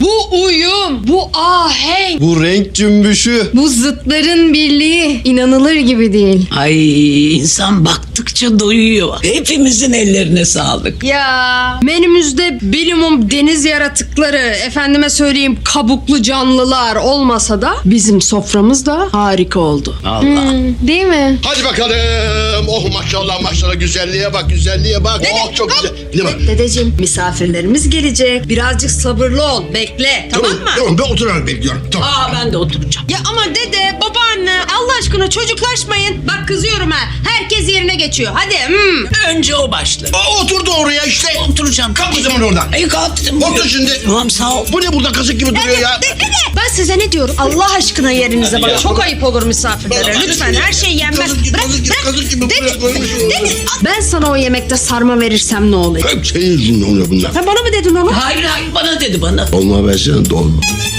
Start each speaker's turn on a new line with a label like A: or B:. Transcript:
A: Bu uyum, bu ahenk,
B: Bu renk cümbüşü.
A: bu zıtların birliği inanılır gibi değil.
C: Ay insan baktıkça doyuyor. Hepimizin ellerine sağlık.
A: Ya menümüzde bilimum deniz yaratıkları, efendime söyleyeyim kabuklu canlılar olmasa da bizim soframız da harika oldu.
C: Allah.
A: Değil mi?
D: Hadi bakalım. Oh maşallah maşallah, güzelliğe bak, güzelliğe bak. Oh çok güzel. Ne bak?
A: Dedeciğim, misafirlerimiz gelecek. Birazcık sabırlı ol, bekle. Tamam mı?
D: Tamam, ben oturarak bekliyorum. Tamam.
C: Aa ben de oturacağım.
A: Ya ama dede, babaanne Allah aşkına çocuklaşmayın. Bak kızıyorum ha. Herkes yerine geçiyor. Hadi.
C: Önce o başlar.
D: Oturdu oraya işte.
C: Oturacağım.
D: Kalk o zaman oradan.
C: Ay kalktım.
D: Otur şimdi.
C: Tamam sağ ol.
D: Bu ne burada kazık gibi duruyor ya?
A: Dede, ben size ne diyorum? Allah aşkına yerinize bak. Çok ayıp olur misafirlere. Lütfen her şey yenmez.
D: Kazık gibi,
A: Bırak,
D: kazık gibi,
A: bırak.
D: kazık gibi buraya koymuşsun.
A: Dede, ben sana o yemekte sarma verirsem ne olacak?
D: Hep senin yüzünden oluyor bunlar.
A: Ha, bana mı dedin onu?
C: Hayır hayır bana dedi bana.
D: Olma versene dolma.